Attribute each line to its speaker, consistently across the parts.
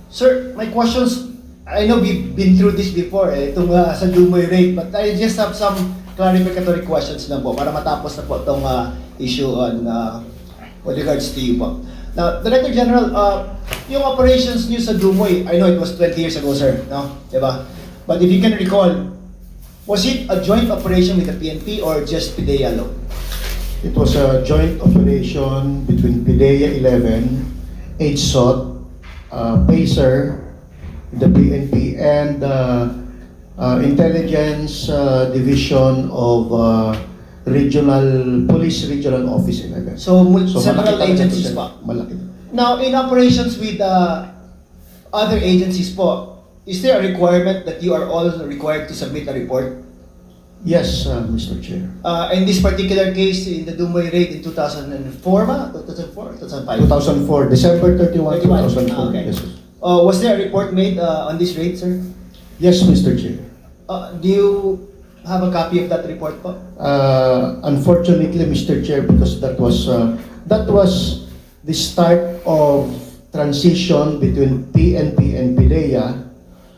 Speaker 1: Sir, my questions, I know we've been through this before, itong sa Dumoy rate, but I just have some clarificatory questions lang po para matapos na po itong issue on with regards to you po. Now, Director General, yung operations niyo sa Dumoy, I know it was 20 years ago, sir, no? Diba? But if you can recall, was it a joint operation with the PNP or just PIDEA alone?
Speaker 2: It was a joint operation between PIDEA 11, HSOT, PACER, the PNP, and Intelligence Division of Police Regional Office 11.
Speaker 1: So, several
Speaker 2: malaki talaga
Speaker 1: agencies
Speaker 2: ito,
Speaker 1: pa.
Speaker 2: Malaki.
Speaker 1: Now, in operations with other agencies po, is there a requirement that you are all required to submit a report?
Speaker 2: Yes, Mr. Chair.
Speaker 1: In this particular case, in the Dumoy raid in 2004 ba? 2004? 2005?
Speaker 2: 2004, December 31, 2004.
Speaker 1: Okay.
Speaker 2: Yes, sir.
Speaker 1: Was there a report made on this raid, sir?
Speaker 2: Yes, Mr. Chair.
Speaker 1: Do you have a copy of that report po?
Speaker 2: Unfortunately, Mr. Chair, because that was the start of transition between PNP and PIDEA.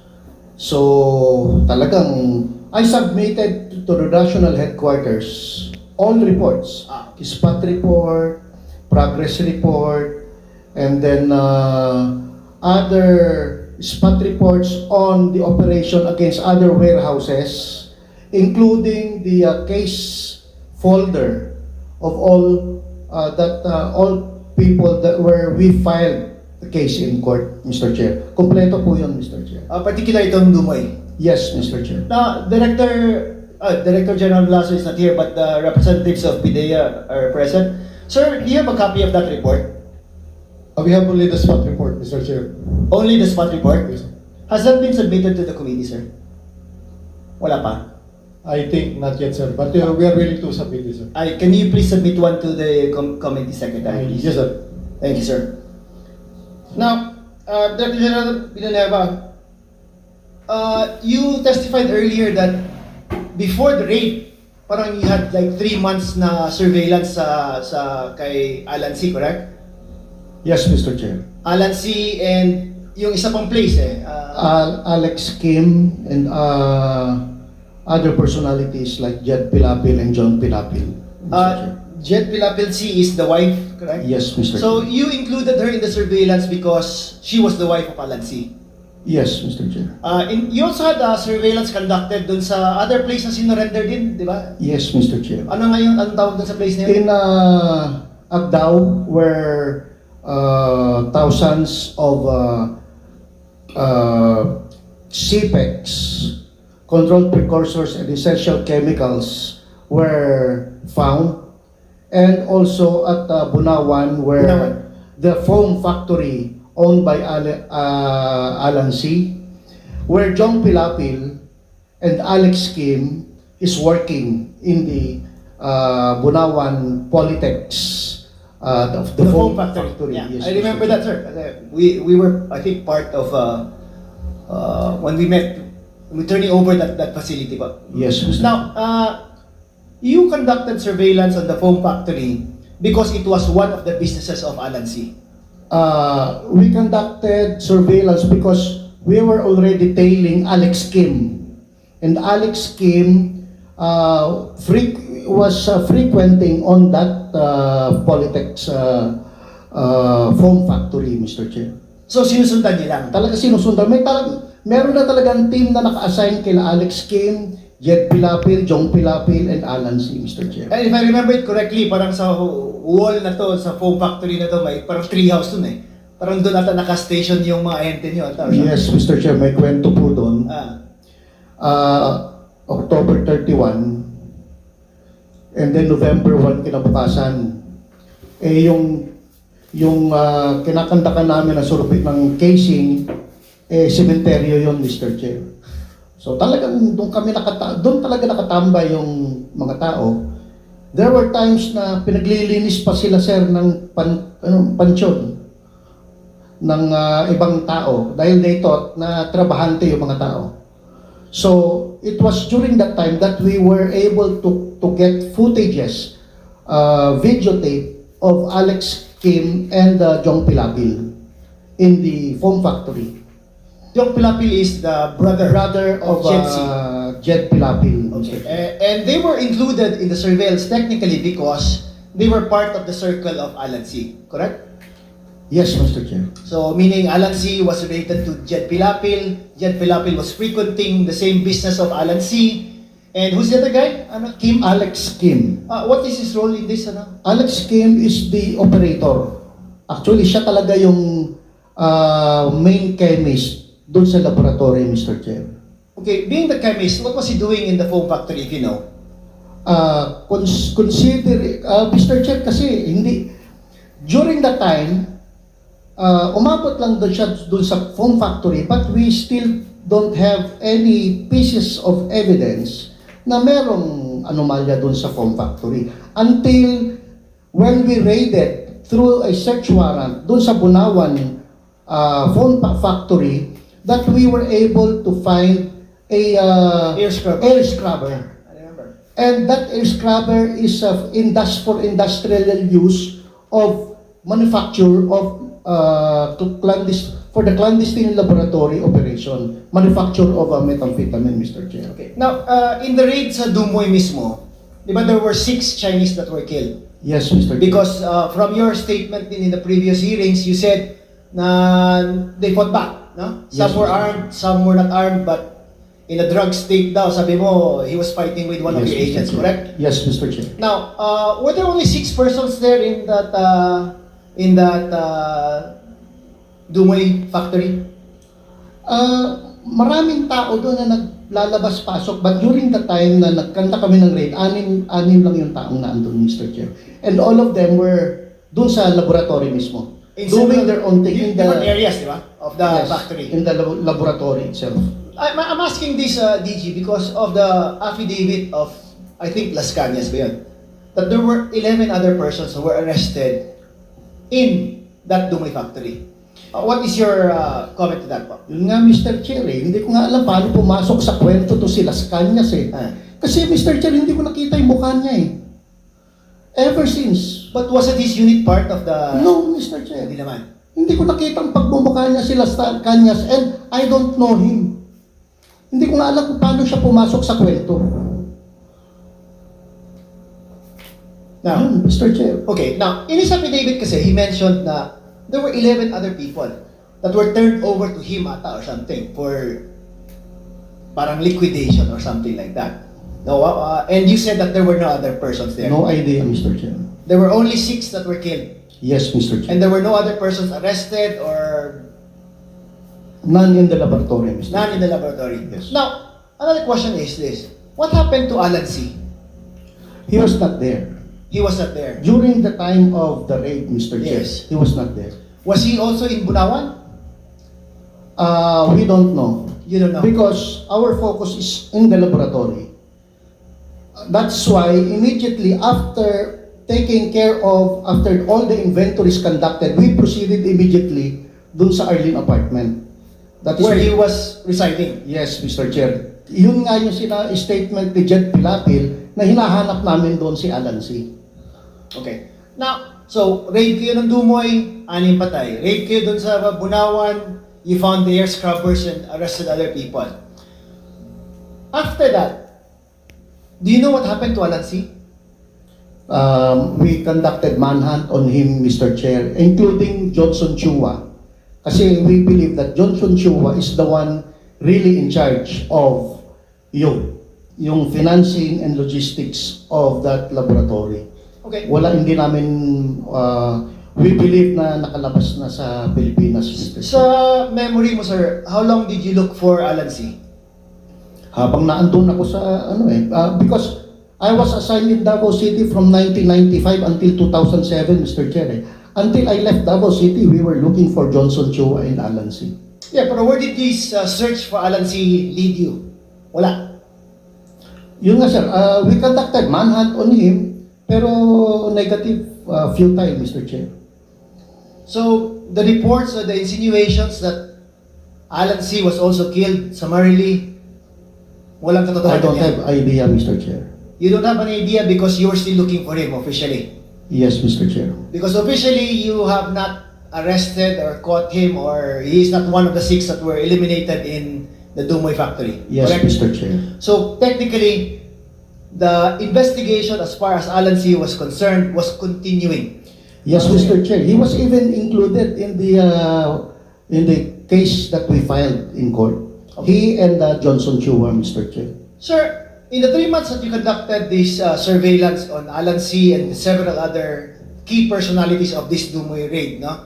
Speaker 2: So talagang I submitted to the national headquarters all reports, SPAT report, progress report, and then other SPAT reports on the operation against other warehouses, including the case folder of all all people that where we filed the case in court, Mr. Chair. Kompleto po yun, Mr. Chair.
Speaker 1: Particular itong Dumoy.
Speaker 2: Yes, Mr. Chair.
Speaker 1: Now, Director General Lasso is not here, but the representatives of PIDEA are present. Sir, do you have a copy of that report?
Speaker 3: We have only the SWOT report, Mr. Chair.
Speaker 1: Only the SPAT report?
Speaker 3: Yes.
Speaker 1: Has that been submitted to the committee, sir? Wala pa?
Speaker 3: I think not yet, sir. But we are willing to submit this, sir.
Speaker 1: Can you please submit one to the committee secretary, please?
Speaker 3: Yes, sir.
Speaker 1: Thank you, sir. Now, Director General Villanueva, you testified earlier that before the raid, parang you had like 3 months na surveillance sa kay Alan C, correct?
Speaker 2: Yes, Mr. Chair.
Speaker 1: Alan C and yung isa pang place
Speaker 2: Alex Kim and other personalities like Jed Pilapil and John Pilapil. Mr. Chair.
Speaker 1: Jet Pilapil C is the wife, correct?
Speaker 2: Yes, Mr.
Speaker 1: So
Speaker 2: Chair.
Speaker 1: you included her in the surveillance because she was the wife of Alan C.
Speaker 2: Yes, Mr. Chair.
Speaker 1: You also had surveillance conducted dun sa other place na sinurrender din, di ba?
Speaker 2: Yes, Mr. Chair.
Speaker 1: Ano ngayon ang tawag dun sa place na yun?
Speaker 2: In Agdao, where thousands of CPEX, controlled precursors and essential chemicals were found, and also at Bunawan, where
Speaker 1: Bunawan.
Speaker 2: the foam factory owned by Alan C, where John Pilapil and Alex Kim is working in the Bunawan Polytex, the foam factory.
Speaker 1: Yeah.
Speaker 2: Yes,
Speaker 1: I remember
Speaker 2: Mr.
Speaker 1: that, sir. We were, I think, part of when we met, we turning over that facility pa.
Speaker 2: Yes, Mr.
Speaker 1: Now, you conducted surveillance on the foam factory because it was one of the businesses of Alan C.
Speaker 2: We conducted surveillance because we were already tailing Alex Kim. And Alex Kim was frequenting on that Polytex foam factory, Mr. Chair.
Speaker 1: So, sinusundan niya lang.
Speaker 2: Talaga sinusundan. Meron na talagang team na naka-assign kila Alex Kim, Jed Pilapil, Jong Pilapil, and Alan C, Mr. Chair.
Speaker 1: And if I remember it correctly, parang sa wall na to, sa foam factory na to, may parang tree house dun eh. Parang doon ata naka-station yung mga ente nyo.
Speaker 2: Yes, Mr. Chair, may kwento po doon. October 31, and then November 1 kinabukasan. Yung kinakantakan namin na survey ng casing, sementeryo yon, Mr. Chair. So talagang doon talaga nakatambay yung mga tao. There were times na pinaglilinis pa sila, sir, ng pansyon ng ibang tao dahil they thought na trabahante yung mga tao. So it was during that time that we were able to get footages, videotape of Alex Kim and Jong Pilapil in the foam factory.
Speaker 1: Jong Pilapil is the brother
Speaker 2: of
Speaker 1: Jed C.
Speaker 2: Jed Pilapil.
Speaker 1: Okay. And they were included in the surveillance technically because they were part of the circle of Alan C. Correct?
Speaker 2: Yes, Mr. Chair.
Speaker 1: So, meaning Alan C. was related to Jed Pilapil. Jed Pilapil was frequenting the same business of Alan C. And who's the other guy? Ano? Kim?
Speaker 2: Alex Kim.
Speaker 1: What is his role in this? Ano?
Speaker 2: Alex Kim is the operator. Actually, siya talaga yung main chemist doon sa laboratory, Mr. Chair.
Speaker 1: Okay, being the chemist, what was he doing in the foam factory, if you know?
Speaker 2: Consider, Mr. Chair, kasi hindi, during that time, umabot lang doon siya doon sa foam factory, but we still don't have any pieces of evidence na merong anomalya doon sa foam factory. Until when we raided through a search warrant doon sa Bunawan foam factory, that we were able to find a
Speaker 1: Air scrubber.
Speaker 2: air scrubber.
Speaker 1: I remember.
Speaker 2: And that air scrubber is for industrial use of manufacture of for the clandestine laboratory operation, manufacture of methamphetamine, Mr. Chair.
Speaker 1: Okay. Now, in the raid sa Dumoy mismo, di ba there were 6 Chinese that were killed?
Speaker 2: Yes, Mr. Chair.
Speaker 1: Because from your statement in the previous hearings, you said na they fought back, no? Some
Speaker 2: Yes,
Speaker 1: were
Speaker 2: Mr.
Speaker 1: armed, some were not armed, but in a drug state daw, sabi mo, he was fighting with one of
Speaker 2: Yes,
Speaker 1: your
Speaker 2: Mr.
Speaker 1: agents,
Speaker 2: Chair.
Speaker 1: correct?
Speaker 2: Yes, Mr. Chair.
Speaker 1: Now, were there only 6 persons there in that Dumoy factory?
Speaker 2: Maraming tao doon na naglalabas-pasok, but during the time na nagkanta kami ng raid, anim lang yung taong naandun, Mr. Chair. And all of them were doon sa laboratory mismo, doing their own thing in the
Speaker 1: different areas, di ba? Of the
Speaker 2: yes,
Speaker 1: factory.
Speaker 2: in the laboratory itself.
Speaker 1: I'm asking this, DG, because of the affidavit of, I think, Las Cañas ba yun? That there were 11 other persons who were arrested in that Dumoy factory. What is your comment to that, po?
Speaker 2: Yun nga, Mr. Chair, hindi ko nga alam paano pumasok sa kwento to si Las Cañas
Speaker 1: Ah.
Speaker 2: Kasi, Mr. Chair, hindi ko nakita yung mukha niya Ever since.
Speaker 1: But wasn't his unit part of the...
Speaker 2: No, Mr. Chair.
Speaker 1: Hindi naman.
Speaker 2: Hindi ko nakita ang pagmumukha niya si Las Cañas and I don't know him. Hindi ko nga alam kung paano siya pumasok sa kwento.
Speaker 1: Now,
Speaker 2: Yun, Mr. Chair.
Speaker 1: okay, now, in his affidavit kasi, he mentioned na there were 11 other people that were turned over to him ata or something for parang liquidation or something like that. No, and you said that there were no other persons there.
Speaker 2: No idea, Mr. Chair.
Speaker 1: There were only 6 that were killed.
Speaker 2: Yes, Mr. Chair.
Speaker 1: And there were no other persons arrested or
Speaker 2: None in the laboratory, Mr.
Speaker 1: none in the laboratory.
Speaker 2: Yes.
Speaker 1: Now, another question is this. What happened to Alan C?
Speaker 2: He was not there.
Speaker 1: He was not there.
Speaker 2: During the time of the raid, Mr. Chair,
Speaker 1: Yes.
Speaker 2: he was not there.
Speaker 1: Was he also in Bunawan?
Speaker 2: We don't know.
Speaker 1: You don't know.
Speaker 2: Because our focus is in the laboratory. That's why immediately after after all the inventories conducted, we proceeded immediately dun sa Arlene apartment. That is
Speaker 1: Where he was residing.
Speaker 2: Yes, Mr. Chair. Yun nga yung statement ni Jed Pilapil na hinahanap namin doon si Alan C.
Speaker 1: Okay. Now, so, raid kayo ng Dumoy, 6 patay. Raid kayo dun sa Bunawan, you found the air scrubbers and arrested other people. After that, do you know what happened to Alan C?
Speaker 2: We conducted manhunt on him, Mr. Chair, including Johnson Chua. Kasi we believe that Johnson Chua is the one really in charge of yung financing and logistics of that laboratory.
Speaker 1: Okay.
Speaker 2: Hindi namin, we believe na nakalabas na sa Pilipinas, Mr. Chair.
Speaker 1: Sa memory mo, sir, how long did you look for Alan C?
Speaker 2: Habang naandun ako sa because I was assigned in Davao City from 1995 until 2007, Mr. Chair. Until I left Davao City, we were looking for Johnson Chua and Alan C.
Speaker 1: Yeah, pero where did this search for Alan C lead you? Wala.
Speaker 2: Yun nga, sir. We conducted manhunt on him, pero negative few times, Mr. Chair.
Speaker 1: So, the reports or the insinuations that Alan C was also killed summarily, walang
Speaker 2: I
Speaker 1: katotohanan
Speaker 2: don't
Speaker 1: yan.
Speaker 2: have idea, Mr. Chair.
Speaker 1: You don't have an idea because you were still looking for him officially.
Speaker 2: Yes, Mr. Chair.
Speaker 1: Because officially, you have not arrested or caught him, or he is not one of the 6 that were eliminated in the Dumoy factory.
Speaker 2: Yes,
Speaker 1: correct?
Speaker 2: Mr. Chair.
Speaker 1: So technically, the investigation as far as Alan C. was concerned was continuing.
Speaker 2: Yes, Mr. Chair. He was even included in the case that we filed in court. He and Johnson Chua, Mr. Chair.
Speaker 1: Sir, in the 3 months that you conducted this surveillance on Alan C. and several other key personalities of this Dumoy raid, no?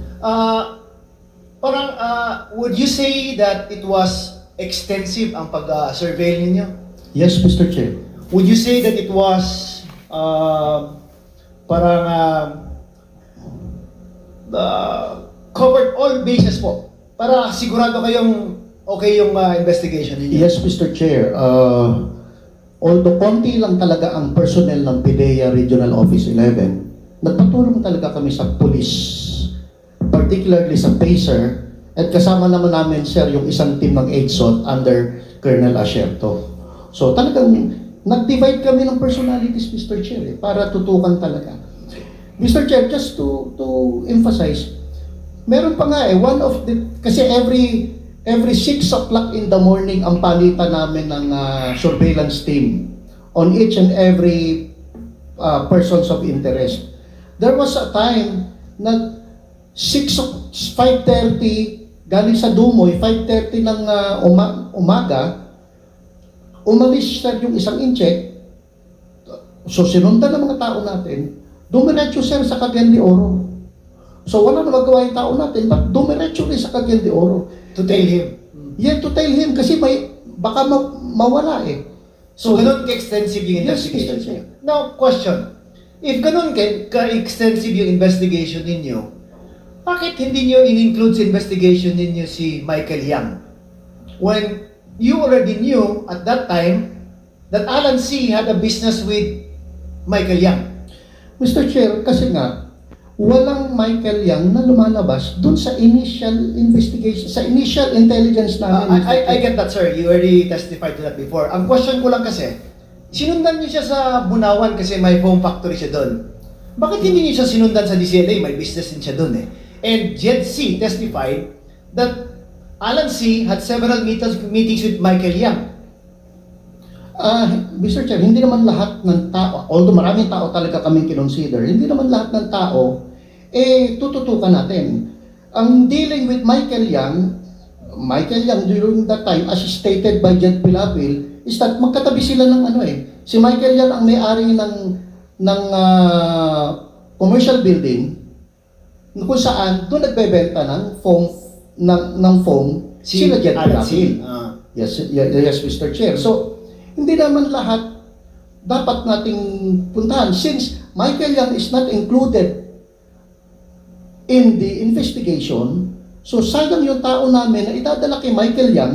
Speaker 1: Would you say that it was extensive ang pag-surveil ninyo?
Speaker 2: Yes, Mr. Chair.
Speaker 1: Would you say that it was covered all bases po? Para sigurado kayong okay yung investigation ninyo?
Speaker 2: Yes, Mr. Chair. Although konti lang talaga ang personnel ng PIDEA Regional Office 11, nagpatulong talaga kami sa police, particularly sa PACER, at kasama naman namin, sir, yung isang team ng EDSOT under Colonel Asierto. So talagang nag-divide kami ng personalities, Mr. Chair, para tutukan talaga. Mr. Chair, just to emphasize, meron pa nga kasi every 6 o'clock in the morning ang palitan namin ng surveillance team on each and every persons of interest. There was a time na 5:30 galing sa Dumoy, 5:30 ng umaga, umalis sir yung isang incheck, so sinundan ng mga tao natin, dumiretso sir sa Cagayan de Oro. So wala na magawa yung tao natin, but dumiretso rin sa Cagayan de Oro.
Speaker 1: To tell him.
Speaker 2: Yeah, to tell him, kasi baka mawala eh.
Speaker 1: So, ganun ka-extensive yung
Speaker 2: Yes,
Speaker 1: investigation
Speaker 2: Mr. Chair.
Speaker 1: ninyo. Now, question. If ganun ka-extensive yung investigation ninyo, bakit hindi nyo in-include sa investigation ninyo si Michael Yang? When you already knew at that time that Alan C. had a business with Michael Yang.
Speaker 2: Mr. Chair, kasi nga, walang Michael Yang na lumalabas dun sa initial investigation, sa initial intelligence namin.
Speaker 1: I get that, sir. You already testified to that before. Ang question ko lang kasi, sinundan niyo siya sa Bunawan kasi may foam factory siya doon. Bakit hindi niyo siya sinundan sa DCLA? May business din siya doon eh. And Jed C. testified that Alan C. had several meetings with Michael Yang.
Speaker 2: Mr. Chair, hindi naman lahat ng tao, although maraming tao talaga kaming kinonsider, hindi naman lahat ng tao, tututukan natin. Ang dealing with Michael Yang during that time, as stated by Jed Pilapil, is that magkatabi sila ng si Michael Yang ang may-ari ng commercial building, kung saan doon nagbebenta ng foam, sila Jed
Speaker 1: Alan C.
Speaker 2: Pilapil. Yes, Mr. Chair. So, hindi naman lahat dapat nating puntahan. Since Michael Yang is not included in the investigation, so sayang yung tao namin na idadala kay Michael Yang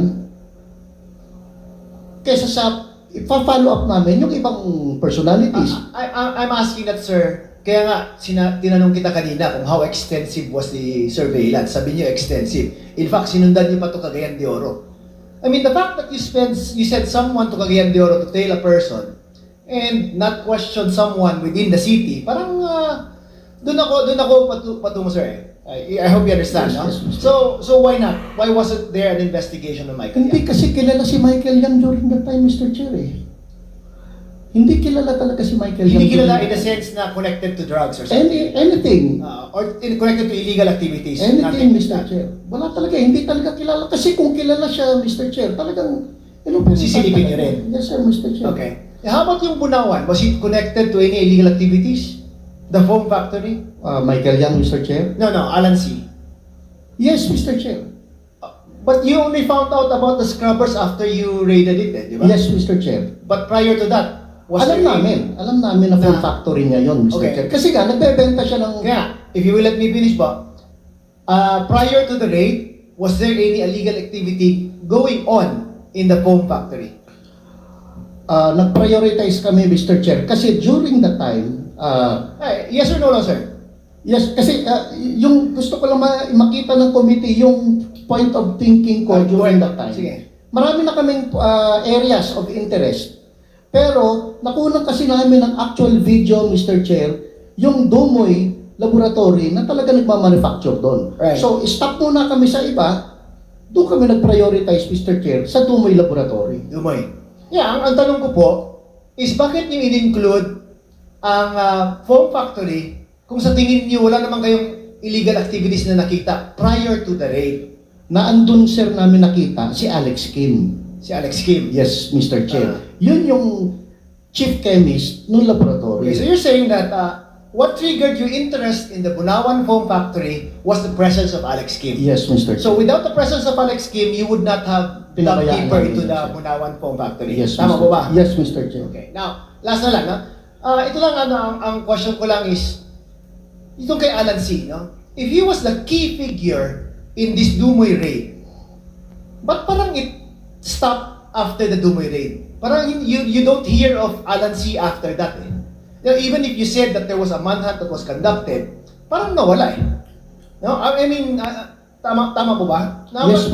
Speaker 2: kesa sa ipa-follow up namin yung ibang personalities.
Speaker 1: I'm asking that, sir. Kaya nga, tinanong kita kanina kung how extensive was the surveillance. Sabi niyo extensive. In fact, sinundan niyo pa ito Cagayan de Oro. I mean, the fact that you sent someone to Cagayan de Oro to tail a person and not question someone within the city, parang doon ako patungo, sir. I hope you understand,
Speaker 2: Yes,
Speaker 1: no?
Speaker 2: yes, Mr.
Speaker 1: So why not? Why wasn't there an investigation on Michael
Speaker 2: Hindi
Speaker 1: Yang?
Speaker 2: kasi kilala si Michael Yang during that time, Mr. Chair. Hindi kilala talaga si Michael Yang.
Speaker 1: Hindi kilala
Speaker 2: during
Speaker 1: in the
Speaker 2: that time.
Speaker 1: sense na connected to drugs or something.
Speaker 2: Anything.
Speaker 1: Or connected to illegal activities.
Speaker 2: Anything,
Speaker 1: Nothing like
Speaker 2: Mr.
Speaker 1: that.
Speaker 2: Chair. Wala talaga, hindi talaga kilala. Kasi kung kilala siya, Mr. Chair, talagang
Speaker 1: Sisilipin niyo rin.
Speaker 2: Yes, sir, Mr. Chair.
Speaker 1: Okay. How about yung Bunawan? Was it connected to any illegal activities? The foam factory?
Speaker 2: Michael Yang, Mr. Chair.
Speaker 1: No, Alan C.
Speaker 2: Yes, Mr. Chair.
Speaker 1: But you only found out about the scrubbers after you raided it, di ba?
Speaker 2: Yes, Mr. Chair.
Speaker 1: But prior to that, was
Speaker 2: Alam
Speaker 1: there
Speaker 2: namin na full
Speaker 1: Na-
Speaker 2: factory niya yon, Mr.
Speaker 1: Okay.
Speaker 2: Chair. Kasi nga, nagbebenta siya ng...
Speaker 1: Kaya, if you will let me finish ba, prior to the raid, was there any illegal activity going on in the foam factory?
Speaker 2: Nag-prioritize kami, Mr. Chair. Kasi during that time,
Speaker 1: Yes or no, sir?
Speaker 2: yes, kasi yung gusto ko lang makita ng committee, yung point of thinking ko during that time.
Speaker 1: Sige.
Speaker 2: Marami na kaming areas of interest. Pero, nakunan kasi namin ng actual video, Mr. Chair, yung Dumoy laboratory na talaga nagmamanufacture doon.
Speaker 1: Right.
Speaker 2: So, stop muna kami sa iba, doon kami nag-prioritize, Mr. Chair, sa Dumoy Laboratory.
Speaker 1: Dumoy. Yeah, ang tanong ko po is bakit niyo in-include ang foam factory kung sa tingin niyo wala naman kayong illegal activities na nakita prior to the raid?
Speaker 2: Na andun, sir, namin nakita si Alex Kim.
Speaker 1: Si Alex Kim.
Speaker 2: Yes, Mr. Chair.
Speaker 1: Ah.
Speaker 2: Yun yung chief chemist ng laboratory.
Speaker 1: Okay, so you're saying that what triggered your interest in the Bunawan Foam Factory was the presence of Alex Kim.
Speaker 2: Yes, Mr. Chair.
Speaker 1: So without the presence of Alex Kim, you would not have dug
Speaker 2: Pinabayaan
Speaker 1: deeper
Speaker 2: namin
Speaker 1: into
Speaker 2: yun,
Speaker 1: the
Speaker 2: sir.
Speaker 1: Bunawan Foam Factory.
Speaker 2: Yes,
Speaker 1: Tama
Speaker 2: Mr.
Speaker 1: po ba?
Speaker 2: Yes, Mr. Chair.
Speaker 1: Okay. Now, last na lang, no? Ito lang, ang question ko lang is, itong kay Alan C., no? If he was the key figure in this Dumoy raid, ba't parang it stopped after the Dumoy raid? Parang you don't hear of Alan C. after that, eh. You know, even if you said that there was a manhunt that was conducted, parang nawala, eh. No? I mean, tama po ba?
Speaker 2: Yes.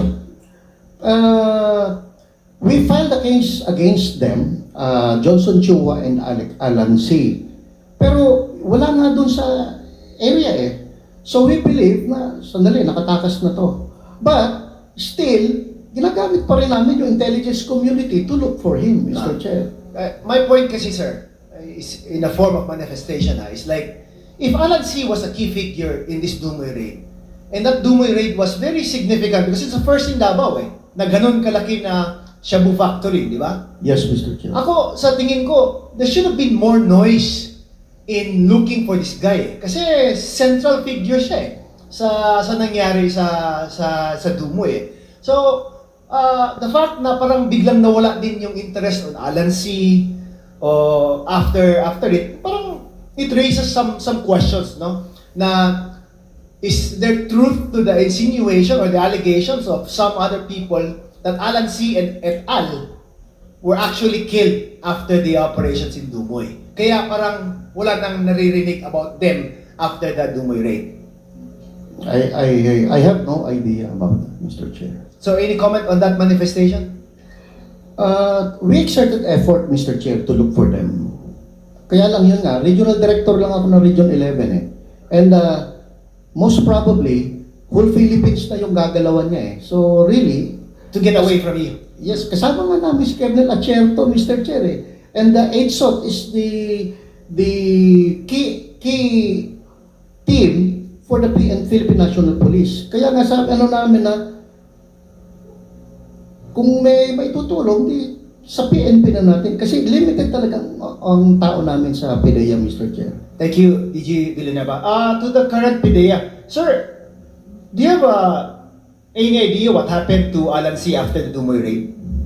Speaker 2: We filed a case against them, Johnson Chua and Alan C. Pero wala nga dun sa area eh. So we believe na, sandali, nakatakas na to. But, still, ginagamit pa rin namin yung intelligence community to look for him, Mr. Chair.
Speaker 1: My point kasi, sir, is in a form of manifestation. Is like, if Alan C. was a key figure in this Dumoy raid, and that Dumoy raid was very significant because it's the first in Davao, eh, na ganun kalaki na Shabu Factory, di ba?
Speaker 2: Yes, Mr. Chair.
Speaker 1: Ako, sa tingin ko, there should have been more noise in looking for this guy. Kasi central figure siya eh, sa nangyari sa Dumoy eh. So, the fact na parang biglang nawala din yung interest on Alan C. After it, parang it raises some questions, no? Na is there truth to the insinuation or the allegations of some other people that Alan C. and et al. Were actually killed after the operations in Dumoy? Kaya parang wala nang naririnig about them after the Dumoy raid.
Speaker 2: I have no idea about that, Mr. Chair.
Speaker 1: So any comment on that manifestation?
Speaker 2: We exerted effort, Mr. Chair, to look for them. Kaya lang yun nga, regional director lang ako ng Region 11 eh. And most probably, whole Philippines na yung gagalawan niya eh. So really,
Speaker 1: To get away from you?
Speaker 2: yes, kasama nga namin si Colonel Acherto, Mr. Chair eh. And the EDSOT is the key team for the Philippine National Police. Kaya nga sabi namin na kung may tutulong, di sa PNP na natin. Kasi limited talaga ang tao namin sa PDEA, Mr. Chair.
Speaker 1: Thank you, DG Villanueva. To the current PIDEA, sir, do you have any idea what happened to Alan C. after the Dumoy raid?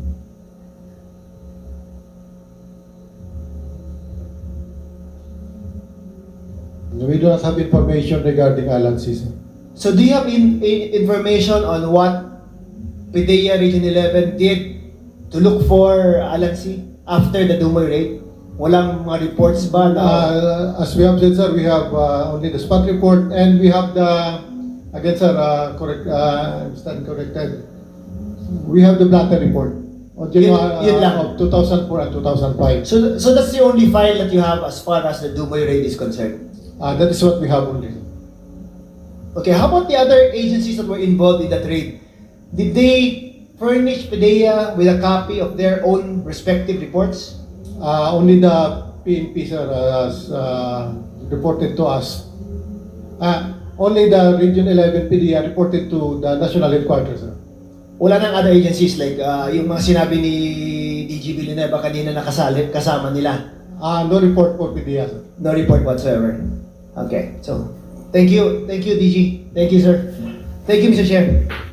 Speaker 3: We do not have information regarding Alan C.
Speaker 1: So do you have information on what PIDEA Region 11 did to look for Alan C. after the Dumoy raid? Walang mga reports ba na...
Speaker 3: As we have said, sir, we have only the spot report and we have the, again, sir, stand corrected. We have the blatter report of January
Speaker 1: Yun lang.
Speaker 3: of 2004 and 2005.
Speaker 1: So that's the only file that you have as far as the Dumoy raid is concerned?
Speaker 3: That is what we have only.
Speaker 1: Okay, how about the other agencies that were involved in that raid? Did they furnish PIDEA with a copy of their own respective reports?
Speaker 3: Only the PNP, sir, has reported to us. Only the Region 11 PDEA reported to the National Headquarters, sir.
Speaker 1: Wala nang other agencies like yung mga sinabi ni DG Villanueva kanina na kasama nila?
Speaker 3: No report for PDEA, sir.
Speaker 1: No report whatsoever. Okay, so thank you DG. Thank you, sir. Thank you, Mr. Chair.